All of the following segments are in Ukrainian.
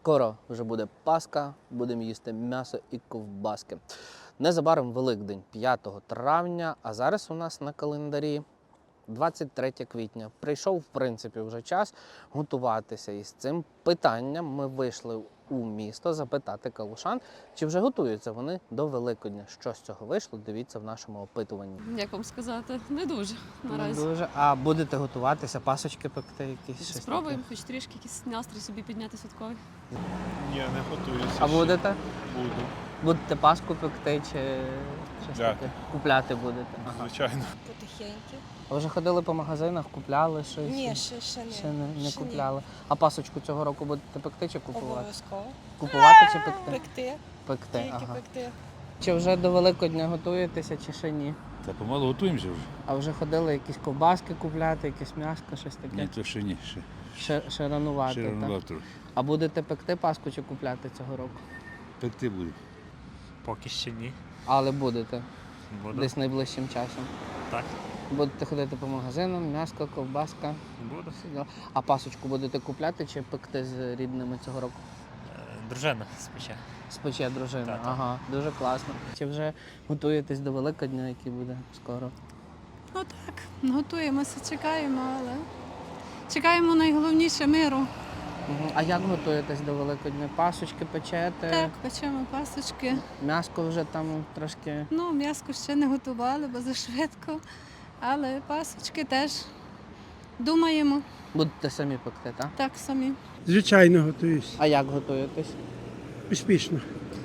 Скоро вже буде Пасха, будемо їсти м'ясо і ковбаски. Незабаром Великдень, 5 травня, а зараз у нас на календарі 23 квітня. Прийшов, в принципі, вже час готуватися. І з цим питанням ми вийшли у місто запитати калушан, чи вже готуються вони до Великодня. Що з цього вийшло, дивіться в нашому опитуванні. Як вам сказати, не дуже наразі. Не дуже. А будете готуватися, пасочки пекти якісь? щось Спробуємо хоч трішки якийсь настрій собі підняти святковий. Ні, не готуюся. таке? А ще. будете? Буду, Будете паску пекти чи щось Так. таке? Купляти будете? Ага. звичайно. Потихеньки. А вже ходили по магазинах, купляли щось? Ні, ще не. Ще не Ще ні. купляли. А пасочку цього року будете пекти чи купувати? Обов'язково. Купувати чи пекти? Пекти, Пекти, тільки ага. пекти. Чи вже до Великодня готуєтеся, чи ще ні? Та помалу готуємося вже. А вже ходили якісь ковбаски купляти, якесь м'яско, щось Ні, таке? то ще ні. Ще ранувати, Ще так? рано трохи. А будете пекти паску чи купляти цього року? Пекти буде. Поки ще ні. Але будете, Буду. десь найближчим часом. Так. Будете ходити по магазинам, м'яско, ковбаска. Буду. всі діла. А пасочку будете купляти чи пекти з рідними цього року? Дружина спече. Спече дружина. Так, так. Ага, дуже класно. Чи вже готуєтесь до Великодня, який буде скоро? Ну так, готуємося, чекаємо, але чекаємо найголовніше миру. Угу. А як готуєтесь до Великодня? Пасочки печете? Так, печемо пасочки. М'яско вже там трошки. Ну, м'яско ще не готували, бо зашвидко. Але пасочки теж думаємо, Будете самі пекти, так? так самі. Звичайно, готуюсь. А як готуєтесь? Успішно.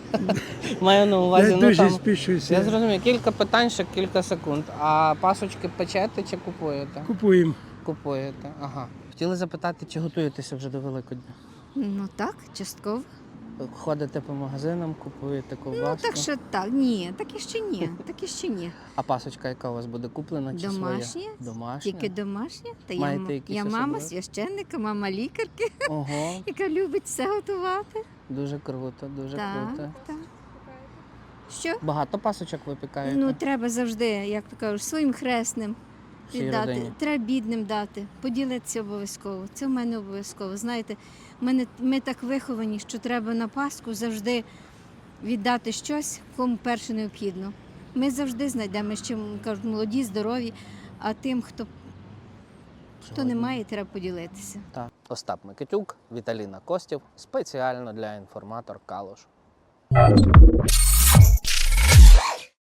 Маю на увазі, Я ну дуже там. спішуся. Я зрозумів, кілька питань, ще кілька секунд. А пасочки печете чи купуєте? Купуємо. Купуєте, ага. Хотіли запитати, чи готуєтеся вже до Великодня? Ну так, частково. Ходите по магазинам, купуєте ковбаску? Ну так що так, ні, так і ще ні, так і ще ні. А пасочка яка у вас буде куплена чи Домашня. своя? Домашня? Тільки домашня. Та Маєте якісь я мама особливі? священника, мама лікарки, Ого, яка любить все готувати. дуже круто, дуже круто. Так. Що? Багато пасочок випікаєте? Ну треба завжди, як то кажуть, своїм хресним Всій віддати. родині? Треба бідним дати, поділитися обов'язково. Це в мене обов'язково. Знаєте, ми так виховані, що треба на Пасху завжди віддати щось, кому перше необхідно. Ми завжди знайдемо, ще кажуть, молоді, здорові, а тим, хто не має, треба поділитися. Так. Остап Микитюк, Віталіна Костів, спеціально для інформатор Калуш.